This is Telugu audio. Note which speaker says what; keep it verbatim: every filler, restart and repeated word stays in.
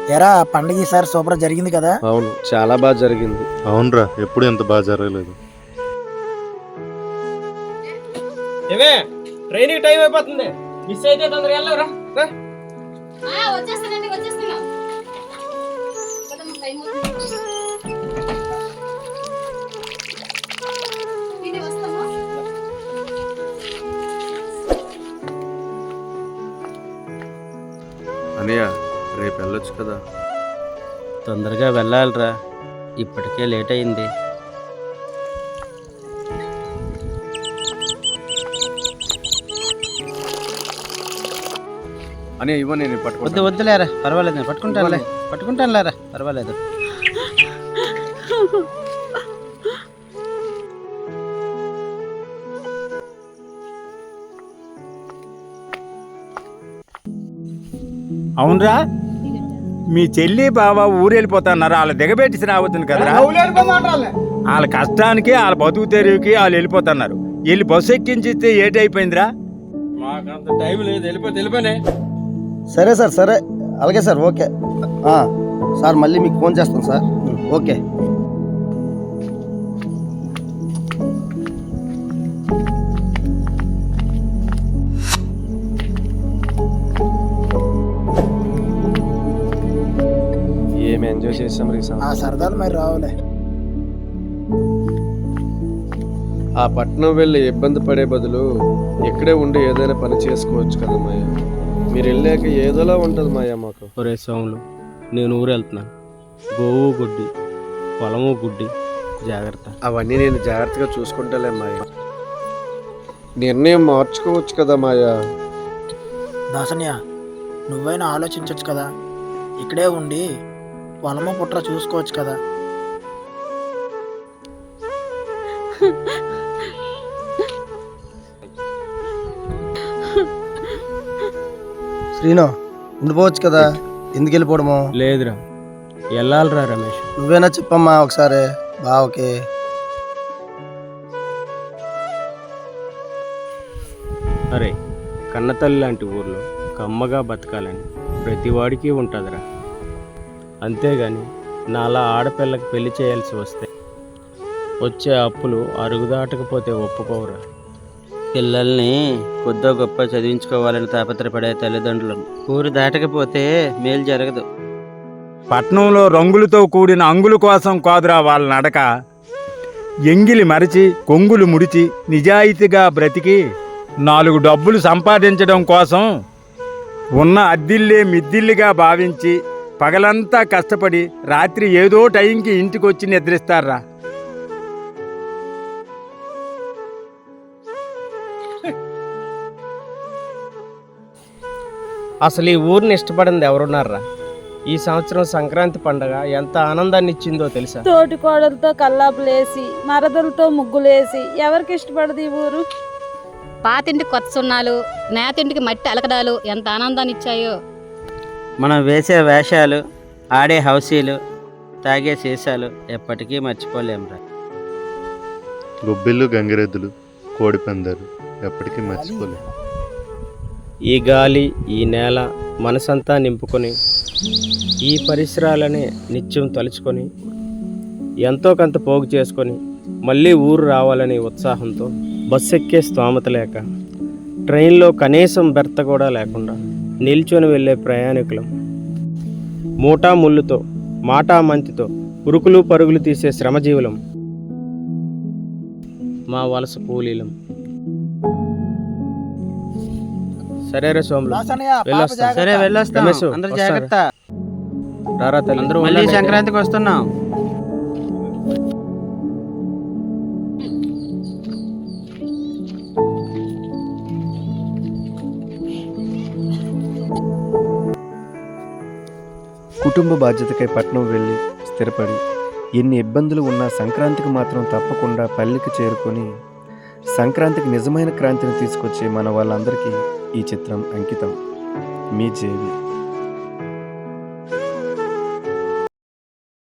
Speaker 1: ఎరా పండుగ ఈసారి సూపర్ జరిగింది కదా?
Speaker 2: అవును, చాలా బాగా జరిగింది.
Speaker 3: అవునరా, ఎప్పుడు ఎంత బాగా జరగలేదు.
Speaker 2: ఏమే ట్రైనింగ్ టైం అయిపోతుంది, మిస్ అయితే తొందరగా వెళ్ళవరా.
Speaker 4: వచ్చేస్తానండి వచ్చేస్తున్నా.
Speaker 3: అనయ్య, రేపు వెళ్ళొచ్చు కదా?
Speaker 5: తొందరగా వెళ్ళాలిరా, ఇప్పటికే లేట్ అయింది.
Speaker 3: అని ఇవ్వ, నేను
Speaker 5: వద్దు
Speaker 3: పట్టుకుంటా.
Speaker 5: వద్దులేరా, పర్వాలేదు, నేను పట్టుకుంటానులే పట్టుకుంటాను లేరా, పర్వాలేదు.
Speaker 6: అవునరా, మీ చెల్లి బావ ఊరెళ్ళిపోతున్నారు, వాళ్ళ దిగబెట్టి రావద్దును కదరా. వాళ్ళ కష్టానికి వాళ్ళ బతుకు తెరువుకి వాళ్ళు వెళ్ళిపోతున్నారు. వెళ్ళి బస్సు ఎక్కించిస్తే ఏటి అయిపోయిందిరా.
Speaker 2: మాకంత టైం లేదు, వెళ్ళిపోతే వెళ్ళిపోయినా.
Speaker 7: సరే సార్, సరే, అలాగే సార్, ఓకే సార్. మళ్ళీ మీకు ఫోన్ చేస్తాను సార్. ఓకే.
Speaker 2: ఏమి ఎంజాయ్ చేసాం రీ.
Speaker 1: ఆ సరదాలు మరి రావులే.
Speaker 2: ఆ పట్నం వెళ్ళి ఇబ్బంది పడే బదులు ఇక్కడే ఉండి ఏదైనా పని చేసుకోవచ్చు కదా మాయ. మీరు వెళ్ళాక ఏదోలా ఉంటుంది మాయ మాకు.
Speaker 5: ఒరే సోములు, నేను ఊరు వెళ్తున్నాను. గోవు గుడ్డి, పొలము గుడ్డి, జాగ్రత్త.
Speaker 2: అవన్నీ నేను జాగ్రత్తగా చూసుకుంటాలే మాయ. నిర్ణయం మార్చుకోవచ్చు కదా మాయా.
Speaker 1: దాసన్య, నువ్వైనా ఆలోచించవచ్చు కదా. ఇక్కడే ఉండి పొలము పుట్ర చూసుకోవచ్చు కదా.
Speaker 7: శ్రీను, ఉండిపోవచ్చు కదా, ఎందుకు వెళ్ళిపోవడము?
Speaker 5: లేదురా, వెళ్ళాలిరా రమేష్.
Speaker 7: నువ్వేనా చెప్పమ్మా ఒకసారి బావకి.
Speaker 5: అరే, కన్నతల్లి లాంటి ఊర్లో కమ్మగా బతకాలని ప్రతివాడికి ఉంటుందిరా. అంతేగాని నాలా ఆడపిల్లకి పెళ్లి చేయాల్సి వస్తే వచ్చే అప్పులు అరుగుదాటకపోతే ఒప్పుకోవురా. పిల్లల్ని కొద్దో గొప్ప చదివించుకోవాలని తాపత్రపడే తల్లిదండ్రులు ఊరు దాటకపోతే మేలు జరగదు.
Speaker 6: పట్నంలో రంగులతో కూడిన అంగుల కోసం కాదురా వాళ్ళ నడక. ఎంగిలి మరచి కొంగులు ముడిచి నిజాయితీగా బ్రతికి నాలుగు డబ్బులు సంపాదించడం కోసం ఉన్న అద్దిల్లే మిద్దిల్లిగా భావించి పగలంతా కష్టపడి రాత్రి ఏదో టైంకి ఇంటికొచ్చి నిద్రిస్తారా.
Speaker 5: అసలు ఈ ఊరిని ఇష్టపడింది ఎవరున్నారా? ఈ సంవత్సరం సంక్రాంతి పండగ ఎంత ఆనందాన్ని ఇచ్చిందో తెలుసా?
Speaker 8: తోటి కోడలతో కల్లాపులేసి మరదలతో ముగ్గులేసి ఎవరికి ఇష్టపడదు ఈ ఊరు?
Speaker 4: పాతింటి కొత్త సున్నాలు, నేతింటికి మట్టి అలకడాలు ఎంత ఆనందాన్ని ఇచ్చాయో.
Speaker 5: మనం వేసే వేషాలు, ఆడే హౌసీలు, తాగే సీసాలు ఎప్పటికీ మర్చిపోలేమురా.
Speaker 3: గొబ్బిళ్ళు, గంగిరెద్దులు, కోడి పందాలు ఎప్పటికీ మర్చిపోలే.
Speaker 5: ఈ గాలి, ఈ నేల మనసంతా నింపుకొని ఈ పరిసరాలనే నిత్యం తలుచుకొని ఎంతో కొంత పోగు చేసుకొని మళ్ళీ ఊరు రావాలని ఉత్సాహంతో బస్సు ఎక్కే స్తోమత లేక ట్రైన్లో కనీసం బెర్త కూడా లేకుండా నిల్చొని వెళ్ళే ప్రయాణికులం. మూటా ముళ్ళుతో మాటా మంతితో ఉరుకులు పరుగులు తీసే శ్రమజీవులం. మా వలస కూలీలం. సరేరా సోములు,
Speaker 1: దాసన్నయ్య, పాప
Speaker 5: వెళ్ళొస్తా.
Speaker 1: జాగ్రత్త.
Speaker 5: సరే వెళ్ళొస్తాం,
Speaker 9: రమేష్,
Speaker 5: అందరూ
Speaker 9: వస్తారా?
Speaker 5: జాగ్రత్త. రారా తల్లి,
Speaker 9: అందరూ
Speaker 5: మళ్ళీ
Speaker 9: ఉండండి.
Speaker 5: సంక్రాంతికి వస్తున్నాం.
Speaker 10: కుటుంబ బాధ్యతకై పట్నం వెళ్ళి స్థిరపడి ఎన్ని ఇబ్బందులు ఉన్నా సంక్రాంతికి మాత్రం తప్పకుండా పల్లెకి చేరుకొని సంక్రాంతికి నిజమైన క్రాంతిని తీసుకొచ్చే మన వాళ్ళందరికీ ఈ చిత్రం అంకితం. మీ జేవి.